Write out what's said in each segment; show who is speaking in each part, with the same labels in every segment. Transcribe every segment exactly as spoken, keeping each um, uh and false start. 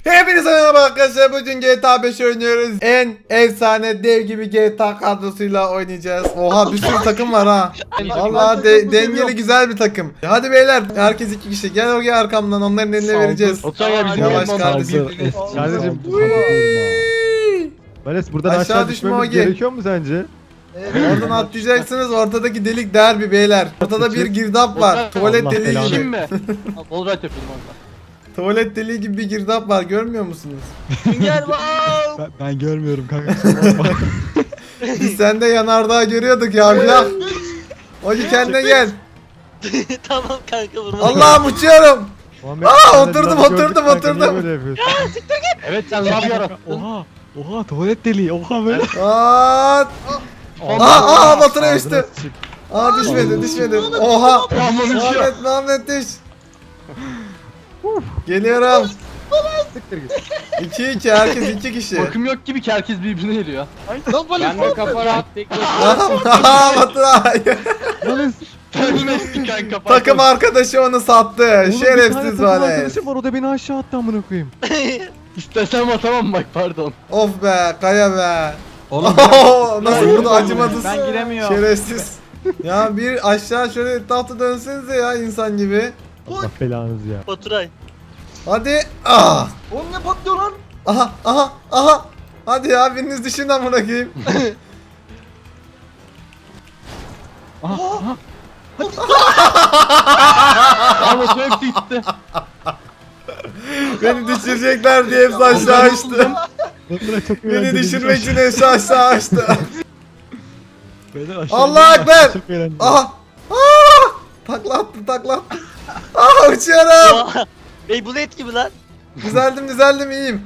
Speaker 1: Hepinize merhaba arkadaşlar. Bugün G T A beş oynuyoruz. En efsane dev gibi G T A kadrosuyla oynayacağız. Oha bir sürü takım var ha. Vallahi de, dengeli güzel bir takım. Hadi beyler herkes iki kişi. Gel oraya arkamdan onların eline vereceğiz.
Speaker 2: Otur ya bizim
Speaker 1: Yavaş
Speaker 2: yanımızda.
Speaker 1: kardeşim.
Speaker 3: Kardeşim Vales buradan
Speaker 1: Aşağı
Speaker 3: aşağı,
Speaker 1: düşme
Speaker 3: düşmemiz
Speaker 1: Ogi.
Speaker 3: gerekiyor mu sence?
Speaker 1: Oradan atlayacaksınız. Ortadaki delik derbi beyler. Ortada bir girdap var. Tuvalet
Speaker 3: Allah
Speaker 1: deliği
Speaker 3: belanı.
Speaker 1: gibi.
Speaker 2: Kim mi? All right yapıyordum orada.
Speaker 1: Tuvalet deliği gibi bir girdap var. Görmüyor musunuz?
Speaker 2: Gel wow.
Speaker 3: Ben, ben görmüyorum kanka.
Speaker 1: Biz sende yanardağ görüyorduk ya. ya. Ogi kendine gel.
Speaker 2: Tamam kanka vurma.
Speaker 1: Allah'ım uçuyorum.
Speaker 3: Muhammed,
Speaker 1: Aa,
Speaker 3: sen de
Speaker 1: oturdum,
Speaker 3: laf
Speaker 1: oturdum,
Speaker 3: gördük kanka, niye
Speaker 1: oturdum.
Speaker 3: böyle yapıyorsun?
Speaker 2: Evet sen laf yarattın.
Speaker 3: Oha. Oha tuvalet deliği. Oha böyle.
Speaker 1: Aa, aa, aa Batıra düştü. Aa düşmedi, düşmedi. Oha. Muhammed, Muhammed düş. Geliyorum.
Speaker 3: Siktir git.
Speaker 1: iki iki herkes iki kişi.
Speaker 2: Bakım yok gibi ki herkes birbirine geliyor.
Speaker 4: Ben de kafa rahat tek başına.
Speaker 1: Aa Batıra.
Speaker 3: Vales.
Speaker 2: Ölmezsin kanka.
Speaker 1: Takım arkadaşı onu sattı.
Speaker 3: Oğlum, bir tane
Speaker 1: Şerefsiz
Speaker 3: takım
Speaker 1: var.
Speaker 3: arkadaşım var o da beni aşağı attı amına koyayım.
Speaker 2: İstesem atamam bak pardon.
Speaker 1: Of be, kaya be.
Speaker 4: Oğlum
Speaker 1: Nasıl bunu acımadız?
Speaker 4: ben giremiyorum.
Speaker 1: Şerefsiz. Ya bir aşağı şöyle etrafta dönsenize ya insan gibi.
Speaker 3: Allah belanızı ya.
Speaker 2: Baturay.
Speaker 1: Hadi. Ah.
Speaker 4: Oğlum ne patlıyor lan?
Speaker 1: Aha aha aha. Hadi ya biriniz düşün amına koyayım.
Speaker 3: Aha. Aha.
Speaker 2: Ama Baturay hepsi gitti.
Speaker 1: Beni düşürecekler diye hepsi aşağı açtı.
Speaker 3: Batıra çok
Speaker 1: Beni
Speaker 3: eğlenceli.
Speaker 1: düşürmek için hepsi aşağı açtı.
Speaker 3: Beyler aşağı
Speaker 1: Allah
Speaker 3: inin,
Speaker 1: Ekber!
Speaker 3: Çok eğlenceli.
Speaker 1: Aha. Aa! Takla attım takla attım. Aa uçuyorum.
Speaker 2: Beyblade gibi lan.
Speaker 1: Düzeldim düzeldim iyiyim.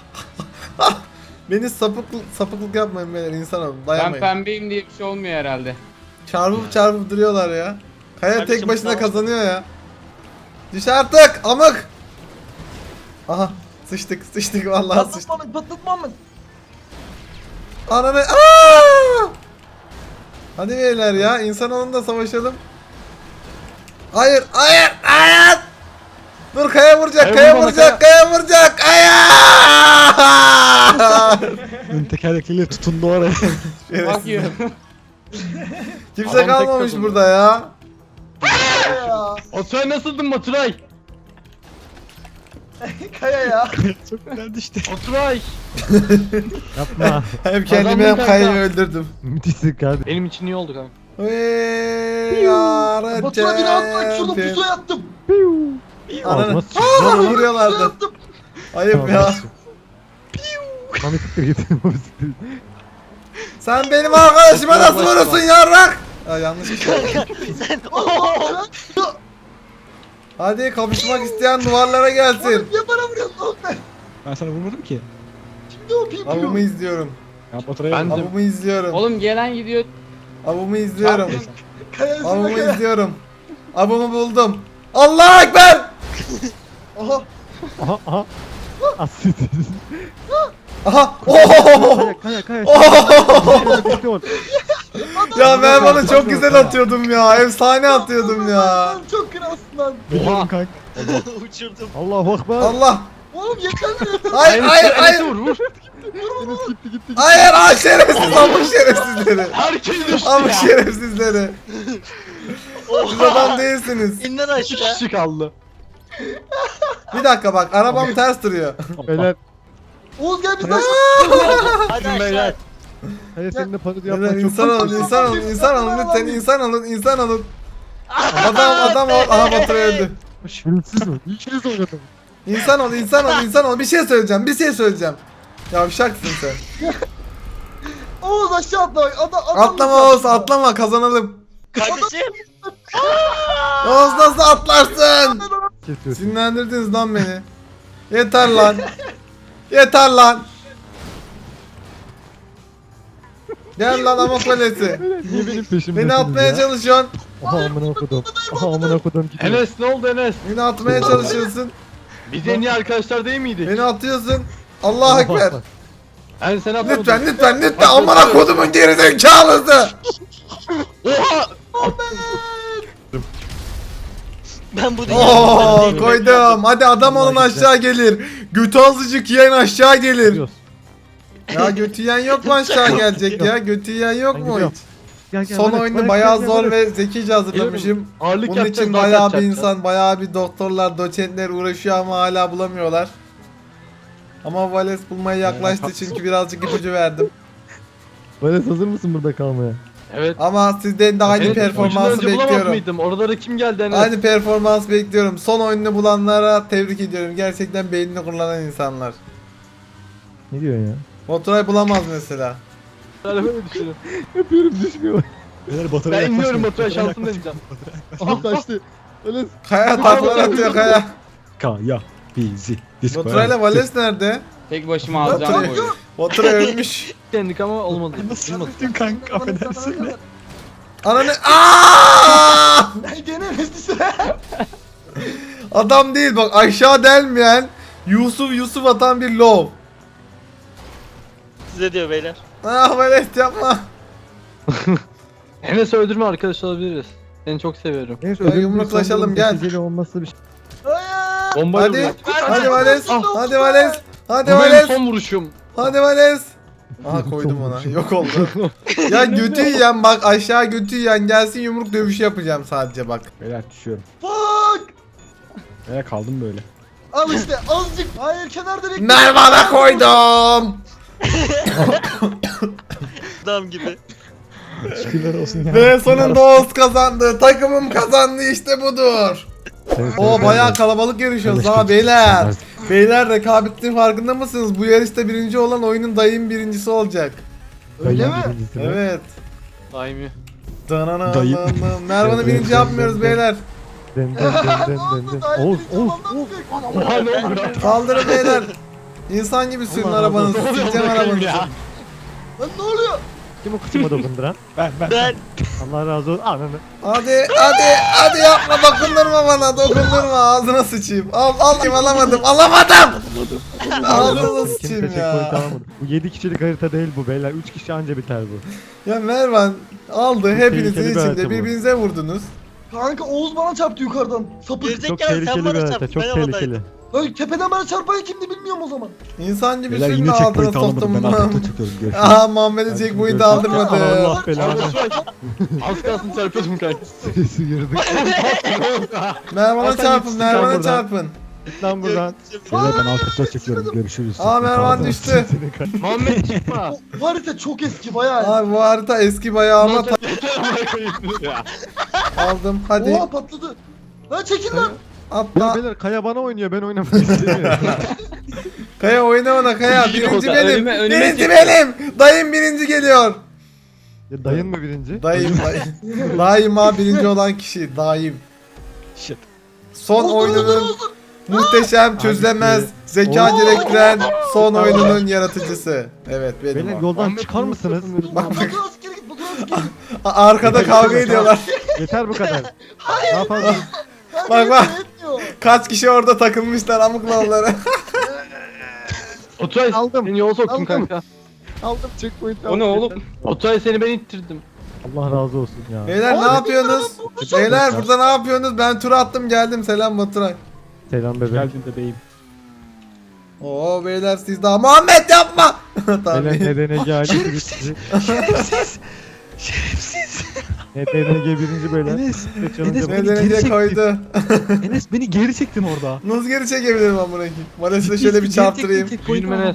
Speaker 1: Beni sapıklık sapıklık yapmayın beyler insan olun
Speaker 4: Ben
Speaker 1: dayanmayın.
Speaker 4: pembeyim diye bir şey olmuyor herhalde.
Speaker 1: Çarpıp çarpıp duruyorlar ya. Kaya tek
Speaker 2: Kardeşim,
Speaker 1: başına
Speaker 2: tamam.
Speaker 1: kazanıyor ya. Düş artık amık. Aha sıçtık sıçtık vallahi sıçtık.
Speaker 4: Patlatmamız patlatmamız.
Speaker 1: Ananı aaa! Hadi beyler ya insanoğlunda savaşalım. Hayır hayır hayır. Dur kaya vuracak
Speaker 2: Kaya
Speaker 1: kaya
Speaker 2: vurma,
Speaker 1: vuracak kaya vuracak hayır.
Speaker 3: Ön tekerlekliyle tutundu oraya.
Speaker 4: Bak ya.
Speaker 1: Kimse
Speaker 2: Adam tek
Speaker 1: kalmamış
Speaker 2: takıldı.
Speaker 1: burada ya.
Speaker 2: Baturay nasıldın Baturay?
Speaker 4: Kaya ya.
Speaker 3: Çok güzel düştü.
Speaker 2: Baturay.
Speaker 3: Yapma.
Speaker 1: Hem kendimi
Speaker 2: Kazandın
Speaker 1: hem
Speaker 2: kanka.
Speaker 1: kayayı öldürdüm.
Speaker 3: Müthişsin kardeşim.
Speaker 2: Benim için iyi oldu kanka.
Speaker 1: Ve yarın
Speaker 4: Batura beni atmak şurada pusuya yattım.
Speaker 1: Ananı.
Speaker 3: Ağzıma
Speaker 1: Aa,
Speaker 3: sıçradı.
Speaker 1: vuruyorlardı.
Speaker 4: Yattım.
Speaker 1: Ayıp ya.
Speaker 3: Mami siktir git. Mami siktir git.
Speaker 1: Sen benim arkadaşıma nasıl vurursun yarrak? Aa, yanlış bir şey.
Speaker 2: Sen
Speaker 1: Hadi kapışmak isteyen duvarlara gelsin.
Speaker 4: Niye bana vuruyorsun oğlum ben?
Speaker 3: Ben sana vurmadım ki.
Speaker 4: Şimdi o pim
Speaker 1: Avımı
Speaker 4: pim.
Speaker 1: izliyorum.
Speaker 3: Ya Baturay'a
Speaker 2: Ben de-
Speaker 1: Avımı izliyorum.
Speaker 4: Oğlum gelen gidiyor.
Speaker 1: Avımı izliyorum.
Speaker 4: Kaya üstüne
Speaker 1: Avımı
Speaker 4: kaya.
Speaker 1: izliyorum. Avımı buldum. Allah ekber!
Speaker 4: Oha.
Speaker 3: Aha aha. Asit.
Speaker 1: Aha! Oh!
Speaker 3: Kaya kaya kaya.
Speaker 1: Oh! Ya ben bunu çok güzel atıyordum ya. Efsane atıyordum ya.
Speaker 4: Lan çok kralsın lan.
Speaker 3: Biliyorum kanka.
Speaker 2: uçurdum.
Speaker 3: Allahu akbar.
Speaker 1: Allah!
Speaker 4: Oğlum yeter mi?
Speaker 1: Hayır hayır hayır!
Speaker 2: Vur vur.
Speaker 3: Enes gitti gitti.
Speaker 1: Hayır hayır şerefsiz amık şerefsizleri.
Speaker 2: Herkes düştü
Speaker 1: Amık
Speaker 2: ya.
Speaker 1: şerefsizleri. Siz adam değilsiniz.
Speaker 2: İnden İki aşağı.
Speaker 3: kişi kaldı.
Speaker 1: Bir dakika bak arabam ters duruyor.
Speaker 3: Beyler.
Speaker 4: Oğuz gel bizden.
Speaker 2: Hadi aşağı.
Speaker 3: Hadi seninle parodi
Speaker 1: Neden
Speaker 3: yapmak çok
Speaker 1: insan olun insan olun insan olun lütfen insan olun insan olun. Adam adam ol. Aha Batur öldü.
Speaker 3: Şerefsiz o. İkiniz oynadım.
Speaker 1: İnsan ol insan ol insan ol bir şey söyleyeceğim bir şey söyleyeceğim. Yavşaksın sen.
Speaker 4: Oğuz aşağı atla. Adam, adam
Speaker 1: Atlama Oğuz atlama kazanalım.
Speaker 2: Kardeşim.
Speaker 1: Oğuz nasıl atlarsın?
Speaker 3: Kesiyorsun.
Speaker 1: Sinirlendirdiniz lan beni. Yeter lan. Yeter lan. Gel lan ama kalesi.
Speaker 3: Niye benim peşimdesiniz
Speaker 1: Beni atmaya
Speaker 3: ya?
Speaker 1: çalışıyorsun.
Speaker 3: Aha amına kodum. Aha amına kodum gidiyor.
Speaker 2: Enes ne oldu Enes?
Speaker 1: Beni atmaya çalışıyorsun.
Speaker 2: Biz en iyi arkadaşlar değil miydik?
Speaker 1: Beni atıyorsun. Allah ekber.
Speaker 2: Ben seni atamadım.
Speaker 1: Lütfen lütfen lütfen amına kodumun gerizekalısı.
Speaker 2: Oha!
Speaker 5: Ben bu
Speaker 1: Oo koydum. Hadi adam olun aşağı gelir. Götü azıcık yiyen aşağı gelir.
Speaker 3: Gidiyoruz.
Speaker 1: Ya götü yiyen yok mu aşağı gelecek ya? Götü yiyen yok
Speaker 3: Ben
Speaker 1: mu
Speaker 3: gidiyorum.
Speaker 1: hiç?
Speaker 3: Gel, gel,
Speaker 1: Son
Speaker 3: Vales,
Speaker 1: oyunu
Speaker 3: Vales,
Speaker 1: bayağı
Speaker 3: gel,
Speaker 1: zor
Speaker 3: Vales.
Speaker 1: ve zekice hazırlamışım.
Speaker 2: Ağırlık
Speaker 1: Bunun
Speaker 2: yapacağız,
Speaker 1: için
Speaker 2: daha
Speaker 1: bayağı
Speaker 2: kaç
Speaker 1: bir
Speaker 2: yapacağız?
Speaker 1: insan, bayağı bir doktorlar, doçentler uğraşıyor ama hala bulamıyorlar. Ama Vales bulmaya yaklaştı çünkü birazcık ipucu verdim.
Speaker 3: Vales hazır mısın burada kalmaya?
Speaker 2: Evet.
Speaker 1: Ama sizden de aynı
Speaker 2: Evet, ucundan
Speaker 1: performansı
Speaker 2: önce bulamaz
Speaker 1: bekliyorum.
Speaker 2: mıydım? Oralara kim geldi Enes?
Speaker 1: Aynı performans bekliyorum. Son oyununu bulanlara tebrik ediyorum. Gerçekten beynini kullanan insanlar.
Speaker 3: Ne diyorsun ya?
Speaker 1: Motoray bulamaz mesela.
Speaker 2: Böyle düşünüyorum.
Speaker 3: Yapıyorum düşmüyor.
Speaker 4: Beyler batarya
Speaker 2: Ben inmiyorum
Speaker 4: yaklaşmayın.
Speaker 2: motora şansını deneyeceğim.
Speaker 4: Aha kaçtı.
Speaker 3: Vales.
Speaker 1: Kaya taklar atıyor Kaya.
Speaker 4: Kaya bizi.
Speaker 1: Motorayla Vales nerede?
Speaker 6: Tek başıma alacağım bu oyunu.
Speaker 1: Motoray ölmüş.
Speaker 2: Kendik ama olmadı.
Speaker 4: Nasıl
Speaker 2: Olmadı.
Speaker 4: yaptın kanka affedersin.
Speaker 1: Ananı Aaaa!
Speaker 4: Gene Messi.
Speaker 1: Adam değil bak, aşağı delmeyen Yusuf Yusuf atan bir lov.
Speaker 5: Size diyor beyler.
Speaker 1: Ah Vales yapma.
Speaker 2: Enes öldürme arkadaş olabiliriz. Seni çok seviyorum.
Speaker 3: Neyse
Speaker 1: Ya
Speaker 3: ödül
Speaker 1: yumruklaşalım,
Speaker 3: bir
Speaker 1: gel.
Speaker 3: neticeli olması bir şey.
Speaker 4: Hayır.
Speaker 2: Bombayla
Speaker 1: Hadi.
Speaker 2: vuruyor.
Speaker 1: Hadi Vales. Hadi Vales. Hadi
Speaker 2: Bu benim
Speaker 1: Vales.
Speaker 2: son vuruşum.
Speaker 1: Hadi Vales. Aha koydum ona. Yok oldu. Ya götü yiyen bak, aşağı götü yiyen gelsin, yumruk dövüşü yapacağım sadece bak.
Speaker 3: Beyler düşüyorum.
Speaker 4: Fuck.
Speaker 3: Beyler kaldım böyle.
Speaker 4: Al işte azıcık. Hayır kenarda bekle.
Speaker 1: Mervan'a koydum.
Speaker 5: Adam gibi.
Speaker 3: Şükürler olsun ya.
Speaker 1: Ve sonunda Oğuz kazandı. Takımım kazandı, işte budur. O bayağı kalabalık yarışıyoruz ha beyler. Beyler rekabetin farkında mısınız? Bu yarışta birinci olan oyunun dayım birincisi olacak.
Speaker 4: Öyle mi?
Speaker 1: Evet.
Speaker 2: Daimi.
Speaker 1: Dananana.
Speaker 4: Dayım.
Speaker 1: Mervan'ı birinci yapmıyoruz beyler.
Speaker 3: Den den den den
Speaker 4: Ne oldu?
Speaker 3: den.
Speaker 4: Daha
Speaker 3: Oğuz
Speaker 4: birinci
Speaker 3: Oğuz
Speaker 4: olmamdan
Speaker 3: Oğuz.
Speaker 4: büyük.
Speaker 2: Oha ne oldu?
Speaker 1: Kaldırın beyler. İnsan gibi sürün
Speaker 3: Allah
Speaker 1: arabanızı.
Speaker 2: razı olsun.
Speaker 1: Sileceğim
Speaker 2: Ne oluyor
Speaker 1: arabanızı.
Speaker 2: ya?
Speaker 4: Lan ne oluyor?
Speaker 3: Kim o kıçıma dokunduran?
Speaker 4: Ben ben.
Speaker 5: Ben
Speaker 3: Allah razı olsun. Ananı.
Speaker 1: Hadi hadi hadi yapma, dokundurma bana, dokundurma, ağzına sıçayım. Al al, alamadım alamadım. Ağzına
Speaker 3: Kimse
Speaker 1: sıçayım
Speaker 3: checkpoint
Speaker 1: ya.
Speaker 3: alamadı. Bu yedi kişilik harita değil bu beyler. üç kişi anca biter bu.
Speaker 1: Ya Mervan aldı, hepinizin
Speaker 3: tehlikeli bir harita
Speaker 1: içinde
Speaker 3: bu.
Speaker 1: birbirinize vurdunuz.
Speaker 4: Kanka Oğuz bana çarptı yukarıdan. Sapık.
Speaker 3: Çok
Speaker 5: gerizekalı sen
Speaker 3: tehlikeli bir
Speaker 5: bana
Speaker 3: harita.
Speaker 5: çarptın.
Speaker 3: Çok
Speaker 5: Ben
Speaker 3: tehlikeli.
Speaker 5: havadaydım.
Speaker 4: Lan tepeden bana çarpan kimdi bilmiyorum o zaman.
Speaker 1: İnsan gibi
Speaker 7: Beyler
Speaker 1: sürün
Speaker 7: yine
Speaker 1: altına
Speaker 7: checkpoint alamadım.
Speaker 1: soktum
Speaker 7: Ben
Speaker 1: bunu.
Speaker 7: arkada çıkıyorum. Görüşürüz.
Speaker 1: Aha Muhammed'e checkpoint aldırmadı.
Speaker 3: Allah belanı.
Speaker 2: Az kalsın çarpıyordum kanka.
Speaker 3: Sesi yırdık.
Speaker 1: Mervan'a
Speaker 3: Hasan
Speaker 1: çarpın,
Speaker 3: yetiştik
Speaker 1: Mervan'a
Speaker 3: lan buradan.
Speaker 1: çarpın.
Speaker 3: Git lan buradan.
Speaker 7: Beyler ben arkada çıkıyorum. Görüşürüz.
Speaker 1: Aa Mervan düştü.
Speaker 2: Muhammed çıkma.
Speaker 4: Bu harita çok eski bayağı.
Speaker 1: Abi bu harita eski bayağı ama ta-
Speaker 2: Ya.
Speaker 1: aldım. Hadi
Speaker 4: Oha patladı. Lan çekil lan.
Speaker 3: Ya
Speaker 1: atla.
Speaker 3: beyler Kaya bana oynuyor. Ben oynamak istemiyorum.
Speaker 1: Kaya oyna ona Kaya.
Speaker 6: İyi
Speaker 1: Birinci
Speaker 6: oldu,
Speaker 1: benim.
Speaker 6: önüme- önüme
Speaker 1: Birinci
Speaker 6: çek.
Speaker 1: benim. Dayım birinci geliyor.
Speaker 3: Ya dayın mı birinci?
Speaker 1: Dayım dayım. Daima birinci olan kişi. Daim.
Speaker 7: Shit.
Speaker 1: Son
Speaker 4: Oldu, oldu,
Speaker 1: oyununun
Speaker 4: oldu.
Speaker 1: muhteşem, çözülemez, zeka
Speaker 3: Oo.
Speaker 1: gerektiren son oyununun yaratıcısı. Evet benim
Speaker 3: Beyler
Speaker 1: o.
Speaker 3: yoldan çıkar mısınız?
Speaker 1: Bak,
Speaker 4: Batur askeri git Batur askeri git.
Speaker 1: A- Arkada kavga ediyorlar.
Speaker 3: Yeter bu kadar. Ne yapalım?
Speaker 1: Bak, bak.
Speaker 4: Yetmiyor.
Speaker 1: Kaç kişi orada takılmışlar amık lavları.
Speaker 2: Oturay
Speaker 3: Aldım.
Speaker 2: seni yola soktum
Speaker 3: Aldım.
Speaker 2: kanka.
Speaker 3: Aldım checkpoint.
Speaker 6: O ne oğlum?
Speaker 2: Oturay seni ben ittirdim.
Speaker 3: Allah razı olsun ya.
Speaker 1: Beyler ne
Speaker 4: Abi,
Speaker 1: yapıyorsunuz? Beyler burada ne yapıyorsunuz? Ben tur attım geldim. Selam Baturay.
Speaker 3: Selam bebeğim.
Speaker 7: Geldin bebeğim.
Speaker 1: Oo beyler siz daha Muhammed yapma. tamam.
Speaker 3: Beyler N D N G ailesi bitti.
Speaker 7: Şerefsiz. Şerefsiz.
Speaker 3: N D N G birinci beyler.
Speaker 7: Enes.
Speaker 3: Ve challenge
Speaker 7: Enes,
Speaker 3: yapalım.
Speaker 7: beni
Speaker 1: Neden
Speaker 7: geri
Speaker 1: diye
Speaker 7: çekti.
Speaker 1: koydu.
Speaker 7: Enes beni geri çektin orada.
Speaker 1: Nasıl geri çekebilirim amına koyayım? Vales'le şöyle bir çarptırayım.
Speaker 2: Büyünüm Enes.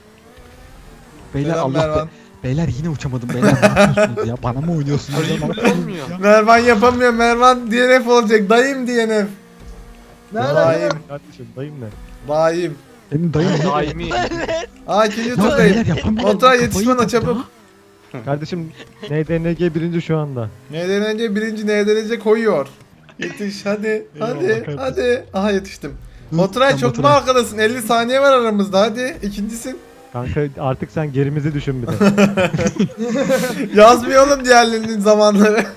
Speaker 7: Beyler
Speaker 1: Selam
Speaker 7: Allah be.
Speaker 1: Mervan.
Speaker 7: Beyler yine uçamadım. Beyler ne yapıyorsunuz ya? Bana mı oynuyorsunuz?
Speaker 2: Öyle
Speaker 7: ya?
Speaker 2: bir
Speaker 7: Bana-
Speaker 2: şey olmuyor.
Speaker 1: Mervan yapamıyor. Mervan D N F olacak. Dayım D N F.
Speaker 4: Nerede?
Speaker 1: Dayım.
Speaker 3: Kardeşim dayım ne?
Speaker 1: Dayım.
Speaker 7: Senin dayın ne?
Speaker 2: Daimi.
Speaker 1: Aa ikinci
Speaker 7: Ya
Speaker 1: turdayım.
Speaker 7: beyler yapamıyorum.
Speaker 1: Oturay
Speaker 7: Kafayı
Speaker 1: yetiş bana
Speaker 7: taktı
Speaker 1: çabuk.
Speaker 7: ya.
Speaker 3: Kardeşim N D N G birinci şu anda.
Speaker 1: Neden önce birinci neden önce koyuyor. Yetiş hadi hadi
Speaker 7: kardeşim.
Speaker 1: hadi. Aha yetiştim.
Speaker 7: Hı,
Speaker 1: Oturay
Speaker 7: sen
Speaker 1: çok mu
Speaker 7: Baturay.
Speaker 1: arkadasın? elli saniye var aramızda hadi. İkincisin.
Speaker 3: Kanka artık sen gerimizi düşün bir de.
Speaker 1: Yazmıyor oğlum diğerlerinin zamanları.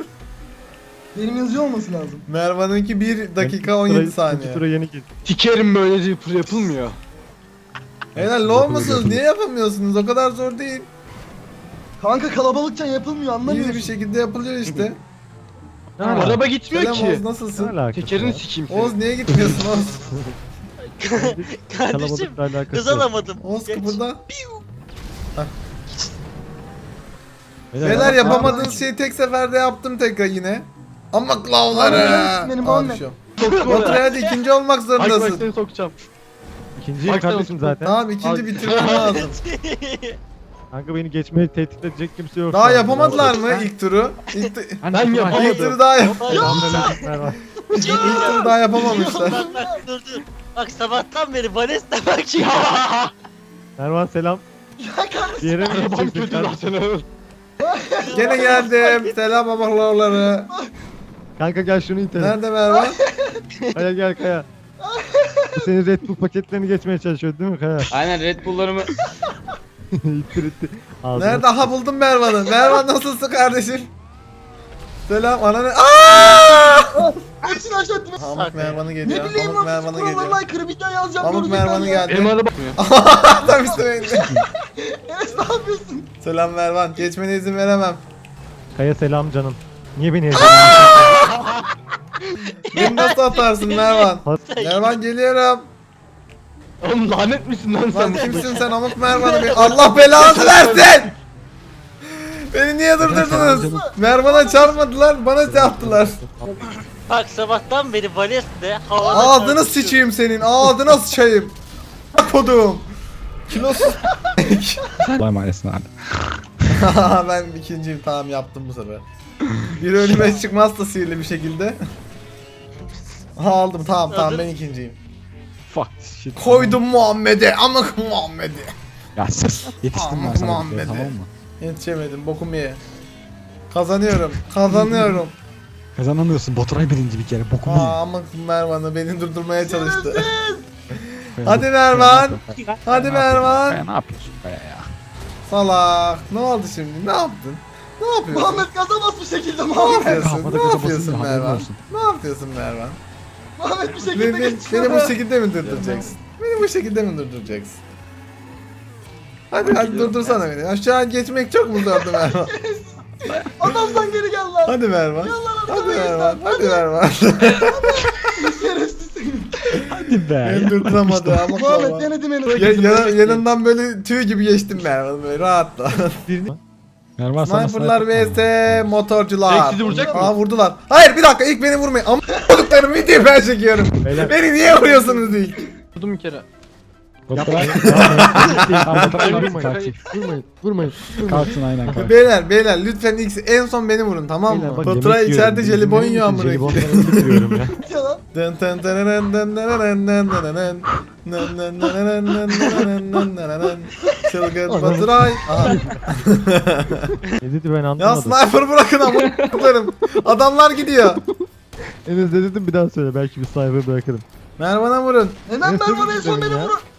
Speaker 4: Benim yazıyor olması lazım.
Speaker 1: Mervan'ınki bir dakika on
Speaker 3: Tura-
Speaker 1: yedi saniye.
Speaker 3: ikinci tura yeni git.
Speaker 2: Sikerim böyle zipur yapılmıyor.
Speaker 1: Helal low musunuz? Niye yapamıyorsunuz? O kadar zor değil.
Speaker 4: Kanka kalabalıkça yapılmıyor
Speaker 1: İyi
Speaker 4: anlamıyorsun.
Speaker 1: bir şekilde yapılıyor işte.
Speaker 3: Ne alaka?
Speaker 2: Araba gitmiyor
Speaker 1: Selam Oğuz
Speaker 2: ki.
Speaker 3: Ne
Speaker 1: nasılsın?
Speaker 3: alakası
Speaker 2: Tekerini
Speaker 3: var?
Speaker 2: sikeyim seni.
Speaker 1: Oğuz niye gitmiyorsun Oğuz?
Speaker 5: Kardeşim
Speaker 3: Kalabalıkla alakası
Speaker 5: hız
Speaker 3: yok.
Speaker 5: alamadım.
Speaker 1: Oğuz
Speaker 5: Geç.
Speaker 1: kıpırda.
Speaker 3: Beyler,
Speaker 1: Beyler
Speaker 3: bak-
Speaker 1: yapamadığınız şeyi tek seferde yaptım tekrar yine. Ama klavları.
Speaker 4: Benim, benim
Speaker 1: Aa,
Speaker 4: Muhammed.
Speaker 1: düşüyorum.
Speaker 2: Soktu
Speaker 1: Baturay
Speaker 2: oraya.
Speaker 1: hadi ikinci olmak
Speaker 2: Bak bak
Speaker 1: zorundasın.
Speaker 2: seni sokacağım.
Speaker 3: İkinciyim
Speaker 2: Bak sen
Speaker 3: kardeşim
Speaker 2: otur.
Speaker 3: zaten.
Speaker 1: Tamam ikinci
Speaker 2: Al.
Speaker 1: bitirmem lazım.
Speaker 3: Kanka beni geçmeyi tehdit edecek kimse yok.
Speaker 1: Daha
Speaker 3: şu anda.
Speaker 1: yapamadılar mı ilk turu? İlk, tu-
Speaker 7: Hani
Speaker 2: Ben
Speaker 7: Baturay-
Speaker 2: yapamadım.
Speaker 1: ilk turu daha yap.
Speaker 3: Selamünaleyküm, merhaba.
Speaker 1: ilk turu daha yapamamışlar.
Speaker 5: Bak bak dur dur. Bak sabahtan beri Vales'le bak ya.
Speaker 3: Mervan selam.
Speaker 4: Ya kardeşim.
Speaker 3: Bir yere mi
Speaker 2: Arabam
Speaker 3: gideceksin
Speaker 2: kötü
Speaker 3: kardeşim?
Speaker 2: zaten.
Speaker 1: Gene geldim. Selam babaları.
Speaker 3: Kanka gel şunu itelim.
Speaker 1: Nerede Merve?
Speaker 3: Kaya gel Kaya. Bu senin Red Bull paketlerini geçmeye çalışıyor değil mi Kaya?
Speaker 6: Aynen Red Bull'larımı
Speaker 3: İttir ittir. Ağzına
Speaker 1: Nerede? Aha buldum Mervan'ı. Mervan nasılsın kardeşim? Selam ananı. Aaaa!
Speaker 4: Hepsini aşağı ettim.
Speaker 1: Pamuk Mervan'ı geliyor.
Speaker 4: Ne bileyim
Speaker 1: Pamuk
Speaker 4: lan
Speaker 1: Mervan'ı
Speaker 4: kurallarına
Speaker 1: geliyor.
Speaker 4: aykırı video yazacağım.
Speaker 1: Pamuk
Speaker 4: görecekler
Speaker 1: Mervan'ı
Speaker 4: ya.
Speaker 1: geldi.
Speaker 2: Benim araba.
Speaker 1: Tam üstüme indi.
Speaker 4: Enes ne yapıyorsun?
Speaker 1: Selam Mervan. Geçmene izin veremem.
Speaker 3: Kaya selam canım. Niye beni yedin?
Speaker 1: Beni nasıl atarsın Mervan? Mervan geliyorum.
Speaker 2: Oğlum lanet misin lan
Speaker 1: Lan
Speaker 2: sen?
Speaker 1: kimsin sen amık Mervan'ı? Bir- Allah belanı versin! Beni niye durdurdunuz? Mervan'a çarpmadılar, bana çarptılar.
Speaker 5: Bak sabahtan beri Vales'le havada
Speaker 1: Ağzını
Speaker 5: tartışıyor.
Speaker 1: sıçayım senin, ağzına sıçayım. Kodum. Kilosuz.
Speaker 7: Allah'a emanetsin abi.
Speaker 1: Ben ikinciyim, tamam yaptım bu sefer. Bir önüme çıkmazsa sihirli bir şekilde. Aha aldım, tamam tamam ben ikinciyim.
Speaker 3: Fuck shit.
Speaker 1: Koydum Muhammed'e, amık Muhammed'e.
Speaker 7: Ya sus. Yetiştim
Speaker 1: Aman
Speaker 7: ben sana.
Speaker 1: Muhammed'e.
Speaker 7: bir kere, Tamam mı?
Speaker 1: Yetişemedim, bokumu ye. Kazanıyorum, kazanıyorum.
Speaker 7: Kazanamıyorsun. Baturay birinci bir kere. Bokumu ye.
Speaker 1: Aa amık Mervan'ı beni durdurmaya çalıştı.
Speaker 3: Kaya,
Speaker 1: Hadi
Speaker 3: Kaya,
Speaker 1: Mervan.
Speaker 3: Kaya,
Speaker 1: Hadi
Speaker 7: Kaya,
Speaker 1: Mervan.
Speaker 7: Kaya, ne yapıyorsun Kaya ya?
Speaker 1: Salak. Ne oldu şimdi? Ne yaptın? Ne yapıyorsun?
Speaker 4: Muhammed kazamaz bir şekilde
Speaker 1: Ne
Speaker 4: Muhammed.
Speaker 1: yapıyorsun?
Speaker 7: Kafada
Speaker 1: Ne
Speaker 7: gaza
Speaker 1: yapıyorsun
Speaker 7: basınca haberin
Speaker 1: Mervan?
Speaker 7: olsun.
Speaker 1: Ne yapıyorsun Mervan?
Speaker 4: Muhammed bir
Speaker 1: Beni,
Speaker 4: şekilde
Speaker 1: beni,
Speaker 4: geçiyor.
Speaker 1: beni bu şekilde mi durduracaksın? Beni bu şekilde mi durduracaksın? Hadi hadi durdursana beni. Aşağı geçmek çok mu zordu Mervan?
Speaker 4: Adamdan geri gel lan.
Speaker 1: Hadi Mervan. Hadi
Speaker 4: arkadaşlar,
Speaker 1: Mervan. Hadi Mervan.
Speaker 4: Şerefsiz.
Speaker 7: Hadi be.
Speaker 1: Beni durduramadı ama
Speaker 4: Muhammed
Speaker 1: Mervan.
Speaker 4: denedim Enes.
Speaker 1: Ya, yana- yanından böyle tüy gibi geçtim Mervan böyle rahatla.
Speaker 7: Mervan sana
Speaker 1: Sniperlar vs motorcular.
Speaker 2: Direkt sizi vuracak mı?
Speaker 1: Aa vurdular. Hayır bir dakika ilk beni vurmayın. Ama vurduklarım videoyu ben çekiyorum.
Speaker 3: Beyler.
Speaker 1: Beni niye vuruyorsunuz ilk?
Speaker 2: Vurdum bir kere.
Speaker 7: Baturay.
Speaker 3: Tamam,
Speaker 7: Baturay
Speaker 3: vurmayın,
Speaker 7: kalksın.
Speaker 3: vurmayın, vurmayın.
Speaker 7: Kalksın aynen kalksın.
Speaker 1: Beyler beyler lütfen ilk en son beni vurun tamam
Speaker 3: Beyler,
Speaker 1: mı?
Speaker 3: bak,
Speaker 1: Baturay
Speaker 3: yemek
Speaker 1: içeride
Speaker 3: yiyorum.
Speaker 1: jelibon
Speaker 3: Yemin
Speaker 1: yiyor
Speaker 3: misin?
Speaker 1: amına koyayım.
Speaker 3: Jelibonları bitiriyorum ya.
Speaker 4: Ya lan.
Speaker 1: Dın tın tırırın dın dırırın dın dırırın. Nın nın nırırın dın dırırın dın dırırın. Çılgın Baturay. Aha.
Speaker 3: Ne dedi ben
Speaker 1: Ya
Speaker 3: anlamadım.
Speaker 1: sniper bırakın amına koyayım. Adamlar gidiyor.
Speaker 3: Enes ne dedim bir daha söyle belki bir sniper bırakırım.
Speaker 1: Mervan'a vurun.
Speaker 4: Neden
Speaker 3: Enes
Speaker 4: Mervan
Speaker 3: ne
Speaker 4: en son
Speaker 3: dedim
Speaker 4: beni
Speaker 3: ya?
Speaker 4: vurur?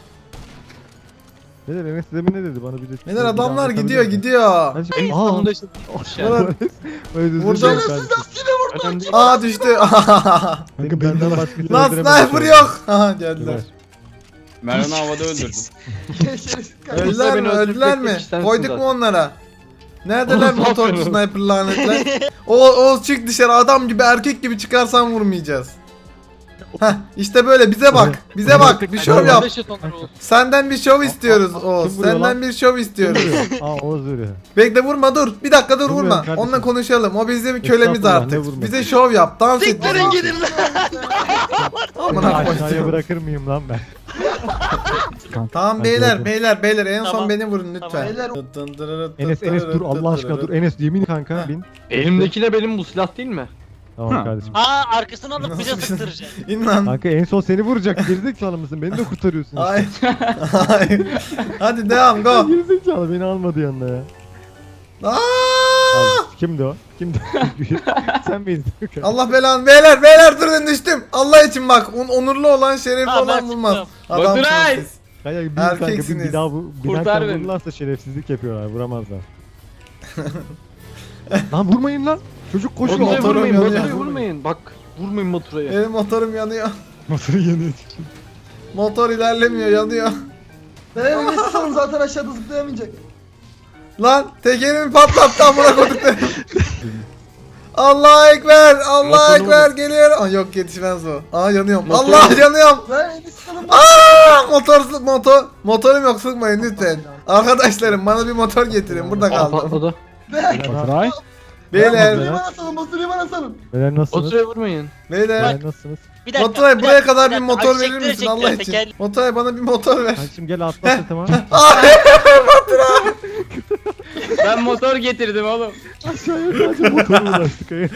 Speaker 3: Neler Enes demin ne dedi bana bir de.
Speaker 1: Beyler
Speaker 3: bir daha
Speaker 1: adamlar
Speaker 3: anlatabilir
Speaker 1: gidiyor
Speaker 3: misin?
Speaker 1: gidiyor.
Speaker 3: Hadi-
Speaker 2: En
Speaker 3: Aa,
Speaker 2: sonunda işte.
Speaker 1: Vurun.
Speaker 3: özür
Speaker 1: Vurdum.
Speaker 3: dilerim
Speaker 4: Şerefsiz
Speaker 3: kardeşim.
Speaker 4: lastiğine vurdu.
Speaker 2: Önemli değil.
Speaker 1: Aa düştü.
Speaker 3: Senin benden başkasını
Speaker 1: Lan
Speaker 3: öldüremedim
Speaker 1: sniper
Speaker 3: şu an.
Speaker 1: yok. Aha geldiler.
Speaker 6: Mervan'ı havada öldürdüm.
Speaker 4: Şerefsiz kardeşim.
Speaker 1: Öldüler mi?
Speaker 2: beni öldürecek
Speaker 1: Öldüler
Speaker 2: tek
Speaker 1: mi?
Speaker 2: kişi sensin
Speaker 1: Koyduk
Speaker 2: zaten.
Speaker 1: mu onlara? Neredeler
Speaker 2: Oğlum, ne
Speaker 1: motorcu
Speaker 2: yapıyorsun?
Speaker 1: sniper lanetler? O Oğuz çık dışarı adam gibi erkek gibi çıkarsan vurmayacağız. Heh işte böyle bize bak. Bize bak. Bir şov yap. Senden bir şov istiyoruz
Speaker 3: Aa,
Speaker 1: Oğuz.
Speaker 3: kim vuruyor
Speaker 1: Senden
Speaker 3: lan?
Speaker 1: bir şov istiyoruz.
Speaker 3: Aa Oğuz vuruyor.
Speaker 1: Bekle vurma dur. Bir dakika dur
Speaker 3: Vurmuyorum
Speaker 1: vurma.
Speaker 3: kardeşim.
Speaker 1: Onunla konuşalım. O bizim kölemiz
Speaker 3: Estağfurullah, ne
Speaker 1: artık.
Speaker 3: vurması?
Speaker 1: Bize şov yap. Dans et.
Speaker 5: Siktirin gidin lan.
Speaker 1: Amına
Speaker 3: Aşağıya
Speaker 1: koyayım.
Speaker 3: bırakır mıyım lan ben?
Speaker 1: Tamam
Speaker 3: Ben
Speaker 1: beyler
Speaker 3: gördüm.
Speaker 1: beyler beyler en son
Speaker 5: Tamam.
Speaker 1: beni vurun lütfen.
Speaker 4: Beyler.
Speaker 3: Enes Enes dur Allah aşkına dur Enes yemin kanka bin.
Speaker 2: Elimdeki de benim bu silah değil mi?
Speaker 3: Tamam
Speaker 7: Ha.
Speaker 3: kardeşim.
Speaker 5: Aa arkasını alıp
Speaker 1: Nasıl
Speaker 5: bize
Speaker 1: bir-
Speaker 5: sıktıracak.
Speaker 1: İn lan.
Speaker 3: Kanka en son seni vuracak gerizekalı mısın? Beni de kurtarıyorsun.
Speaker 1: Hayır. Hayır. Hadi devam go.
Speaker 3: Gerizekalı beni almadı yanına ya.
Speaker 1: Aa!
Speaker 3: Al, kimdi o? Kimdi? Sen miydin?
Speaker 1: Allah belanı. Beyler beyler durun düştüm. Allah için bak. on- onurlu olan şerefli
Speaker 5: Ha, ben
Speaker 1: olan bulmaz.
Speaker 5: çıktım.
Speaker 1: Adamsınız
Speaker 6: Baturay!
Speaker 1: siz.
Speaker 3: Kaya bin kanka bin
Speaker 1: Erkeksiniz.
Speaker 3: bir daha bu
Speaker 6: Kurtar
Speaker 3: binerken
Speaker 6: beni.
Speaker 3: vururlarsa şerefsizlik yapıyorlar vuramazlar. Lan vurmayın lan. Çocuk koşuyor.
Speaker 2: Motoru
Speaker 1: motorum
Speaker 2: vurmayın,
Speaker 1: yanıyor.
Speaker 2: motoru vurmayın. Bak, vurmayın motorayı.
Speaker 1: Benim motorum yanıyor.
Speaker 3: Motoru yanıyor.
Speaker 1: Motor ilerlemiyor yanıyor.
Speaker 4: Ben Enes'i sanırım zaten aşağıda zıplayamayacak.
Speaker 1: Lan tekerimi patlattı amına koyduklarım. Allah ekber. Allah
Speaker 2: Motorunu
Speaker 1: ekber geliyor. Aa, yok yetişmez o. Aa yanıyorum.
Speaker 2: Motoru-
Speaker 1: Allah yanıyorum.
Speaker 4: Lan Enes sana
Speaker 1: Aa motor motor motorum yok sıkmayın lütfen. Arkadaşlarım bana bir motor getirin. Burada
Speaker 2: Aa,
Speaker 1: kaldım.
Speaker 2: patladı.
Speaker 3: Baturay.
Speaker 1: Beyler.
Speaker 4: Motoru bana salın, motoru bana salın.
Speaker 3: Beyler nasılsınız?
Speaker 2: Motora vurmayın.
Speaker 1: Beyler.
Speaker 3: Beyler nasılsınız?
Speaker 5: Bir dakika.
Speaker 1: Motoray
Speaker 5: bir
Speaker 1: buraya
Speaker 5: dakika,
Speaker 1: kadar bir
Speaker 5: dakika.
Speaker 1: motor
Speaker 5: Ay,
Speaker 1: verir
Speaker 5: çektiler,
Speaker 1: misin
Speaker 5: çektiler,
Speaker 1: Allah için?
Speaker 5: teker-
Speaker 1: Motoray bana bir motor ver.
Speaker 3: Kankacım gel atla sırtıma.
Speaker 1: Ay
Speaker 6: Ben motor getirdim oğlum.
Speaker 3: Aşağıya sadece motorla ulaştık. Kaya.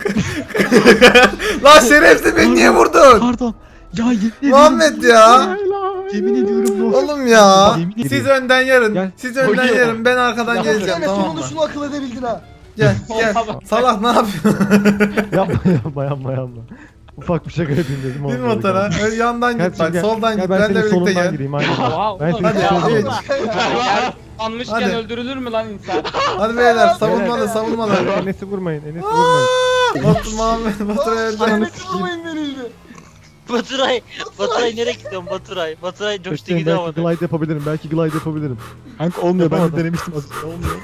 Speaker 1: lan şerefsiz beni niye vurdun?
Speaker 7: Pardon. Ya yemin ediyorum.
Speaker 1: Muhammed ya.
Speaker 7: Yemin ediyorum bu.
Speaker 1: Oğlum ya.
Speaker 7: Yemin
Speaker 1: Siz
Speaker 7: ediyorum.
Speaker 1: önden yarın.
Speaker 3: Gel.
Speaker 1: Siz önden
Speaker 2: Hocam.
Speaker 1: yarın. Ben arkadan
Speaker 2: Ya,
Speaker 1: geleceğim
Speaker 4: Enes
Speaker 1: tamam mı?
Speaker 4: sonunda şunu akıl edebildin ha.
Speaker 1: Gel gel. Salak ne yapıyorsun?
Speaker 3: Yapma yapma yapma yapma. Ufak bir şaka yapayım dedim.
Speaker 1: Bir
Speaker 3: olmadı
Speaker 1: motora.
Speaker 3: kanka.
Speaker 1: Öyle yandan
Speaker 3: Gel
Speaker 1: git bak.
Speaker 3: şimdi gel.
Speaker 1: Soldan
Speaker 3: Gel
Speaker 1: git.
Speaker 3: ben
Speaker 1: Benle
Speaker 3: senin
Speaker 1: birlikte
Speaker 3: solundan
Speaker 1: gel.
Speaker 3: gireyim aynen. Ben
Speaker 6: Hadi
Speaker 3: senin
Speaker 1: ya.
Speaker 3: solundan.
Speaker 1: Evet.
Speaker 6: Anmışken
Speaker 1: Hadi.
Speaker 6: öldürülür mü lan insan?
Speaker 1: Hadi beyler savunmalı savunmalı.
Speaker 3: Enes'i vurmayın. Enes'i vurmayın.
Speaker 1: Motor Muhammed motora öldü.
Speaker 4: Enes'i vurmayın verildi.
Speaker 5: Baturay. Baturay nereye gidiyorsun Baturay? Baturay coştu
Speaker 3: Bekleyin,
Speaker 5: gidiyor
Speaker 3: belki
Speaker 5: havada.
Speaker 3: glide yapabilirim. Belki glide yapabilirim.
Speaker 7: Kanka olmuyor. Ben de
Speaker 3: Yapamadım.
Speaker 7: denemiştim az önce. Olmuyor.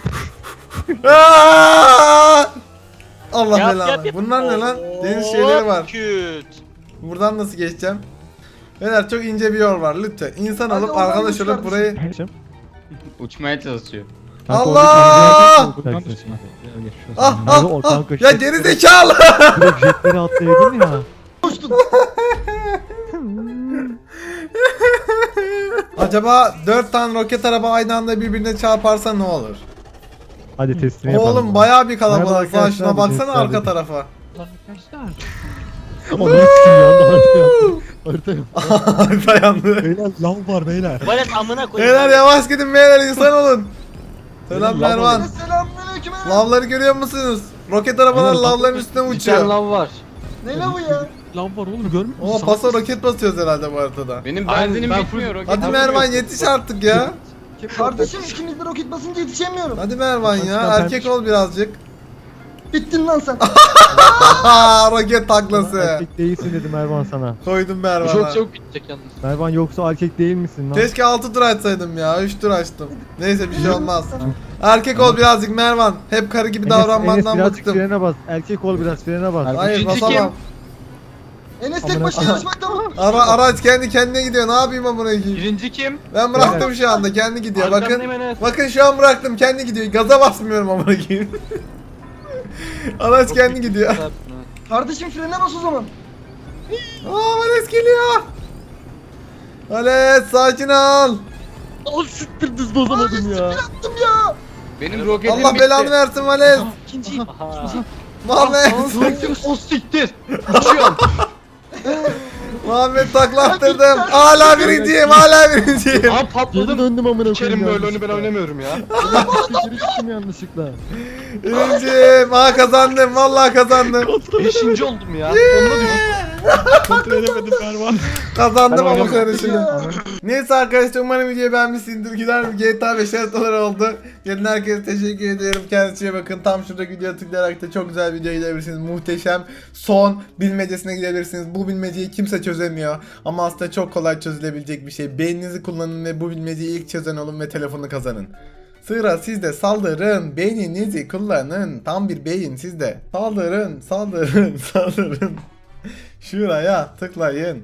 Speaker 1: Aa! Allah
Speaker 5: Yap,
Speaker 1: belanı.
Speaker 5: yap, yap.
Speaker 1: Bunlar ne lan?
Speaker 5: Oo,
Speaker 1: Deniz şeyleri var.
Speaker 5: Küt.
Speaker 1: Buradan nasıl geçeceğim? Beyler çok ince bir yol var lütfen. İnsan
Speaker 4: Hadi
Speaker 1: alıp
Speaker 4: oradan
Speaker 1: arkadaş
Speaker 4: geç
Speaker 1: olup
Speaker 4: kardeşim.
Speaker 1: burayı...
Speaker 3: Geçeceğim.
Speaker 6: Uçmaya çalışıyor.
Speaker 3: Kanka,
Speaker 1: Allah!
Speaker 3: oradaki-
Speaker 7: Buradan
Speaker 3: Kanka,
Speaker 7: da şimdi. Gel, geç şu
Speaker 1: Ah
Speaker 7: an.
Speaker 1: ah
Speaker 3: o
Speaker 1: ah!
Speaker 3: kanka
Speaker 1: Ya
Speaker 3: şey-
Speaker 1: geri zekalı!
Speaker 3: Direkt jetleri atlayaydın ya.
Speaker 4: Koştun.
Speaker 1: Acaba dört tane roket araba aynı anda birbirine çarparsa ne olur?
Speaker 3: Hadi testini yapalım.
Speaker 1: Oğlum bayağı bir
Speaker 3: Merhaba
Speaker 1: kalabalık lan
Speaker 3: arkadaşlar,
Speaker 1: şuna baksana
Speaker 3: bizim
Speaker 1: arka
Speaker 3: kardeşim.
Speaker 1: tarafa.
Speaker 7: Arkadaşlar.
Speaker 3: Ama ne sikim ya? Harita yaptım. Harita yaptım.
Speaker 1: Dayandı.
Speaker 7: Beyler lav var beyler.
Speaker 5: Valet amına koyayım.
Speaker 1: Beyler yavaş gidin beyler insan olun. Selam
Speaker 7: Beyler,
Speaker 1: Mervan.
Speaker 4: Selamünaleyküm. Enes.
Speaker 1: Lavları görüyor musunuz? Roket arabalar
Speaker 7: Beyler,
Speaker 1: lavların üstüne
Speaker 2: Bir tane
Speaker 1: uçuyor.
Speaker 2: lav var.
Speaker 4: Ne la bu ya?
Speaker 7: Lav var oğlum görmüyor musun?
Speaker 1: O pasa roket basıyoruz herhalde bu haritada.
Speaker 6: Benim
Speaker 2: Aynen,
Speaker 6: benzinim
Speaker 2: ben
Speaker 6: bitmiyor. roket
Speaker 1: Hadi
Speaker 6: atamıyorum.
Speaker 1: Mervan yetiş artık ya.
Speaker 4: Kardeşim ikimiz de roket basınca yetişemiyorum.
Speaker 1: Hadi Mervan ya
Speaker 3: Başkan
Speaker 1: erkek
Speaker 3: ben-
Speaker 1: ol birazcık.
Speaker 4: Bittin lan sen.
Speaker 1: Haha roket taklası.
Speaker 3: Erkek değilsin dedim Mervan sana.
Speaker 1: Koydum
Speaker 2: Bu
Speaker 1: Mervan'a.
Speaker 2: çok çabuk bitecek yalnız.
Speaker 3: Mervan yoksa erkek değil misin lan?
Speaker 1: Keşke altı tur açsaydım ya. üç tur açtım. Neyse bir şey olmaz. Erkek ol birazcık Mervan. Hep karı gibi
Speaker 3: Enes, Enes
Speaker 1: davranmandan
Speaker 3: birazcık
Speaker 1: bıktım.
Speaker 3: frene bas. Erkek ol biraz frene bas.
Speaker 1: Hayır
Speaker 2: Üçüncü
Speaker 1: basamam.
Speaker 4: Enes tek
Speaker 3: Amına-
Speaker 4: başına yarışmakta mı?
Speaker 1: Ara, araç kendi kendine gidiyor. Ne yapayım amına koyayım?
Speaker 2: Birinci kim?
Speaker 1: Ben bıraktım şu anda. Kendi gidiyor. Bakın.
Speaker 2: Arkandayım Enes.
Speaker 1: Bakın şu an bıraktım. Kendi gidiyor. Gaza basmıyorum amına koyayım. Araç kendi gidiyor.
Speaker 4: Kardeşim frene bas o zaman.
Speaker 1: Aa Vales geliyor. Vales sakin ol.
Speaker 3: Al siktir düz bozamadım ya.
Speaker 4: Yaptım ya.
Speaker 6: Benim roketim
Speaker 1: Allah
Speaker 6: bitti.
Speaker 1: belanı versin Vales.
Speaker 7: İkinci.
Speaker 5: Aha.
Speaker 1: Muhammed.
Speaker 2: O siktir. Uçuyorum.
Speaker 1: Muhammed taklattırdım. Hala birinciyim. Hala birinciyim.
Speaker 2: Aa
Speaker 3: Geri
Speaker 2: patladım.
Speaker 3: döndüm amına
Speaker 2: İçerim
Speaker 3: koyayım.
Speaker 2: böyle oyunu ben oynamıyorum ya.
Speaker 3: Geri gittim yanlışlıkla.
Speaker 1: Birinciyim. Aa kazandım. Vallahi kazandım.
Speaker 2: Beşinci oldum ya. Onunla düştüm.
Speaker 7: Kontrol edemedim Mervan.
Speaker 1: Kazandım
Speaker 2: Ben
Speaker 1: ama
Speaker 2: oynamıyorum.
Speaker 1: karışımı. Neyse arkadaşlar umarım videoyu beğenmişsindir. Güzel bir G T A beş haritaları oldu. Gelin herkese teşekkür ediyorum. Kendinize iyi bakın. Tam şuradaki videoya tıklayarak da çok güzel videoya gidebilirsiniz. Muhteşem son bilmecesine gidebilirsiniz. Bu bilmeceyi kimse çözemiyor. Ama aslında çok kolay çözülebilecek bir şey. Beyninizi kullanın ve bu bilmeceyi ilk çözen olun ve telefonu kazanın. Sıra sizde, saldırın, beyninizi kullanın. Tam bir beyin sizde. Saldırın, saldırın, saldırın. Şuraya tıklayın.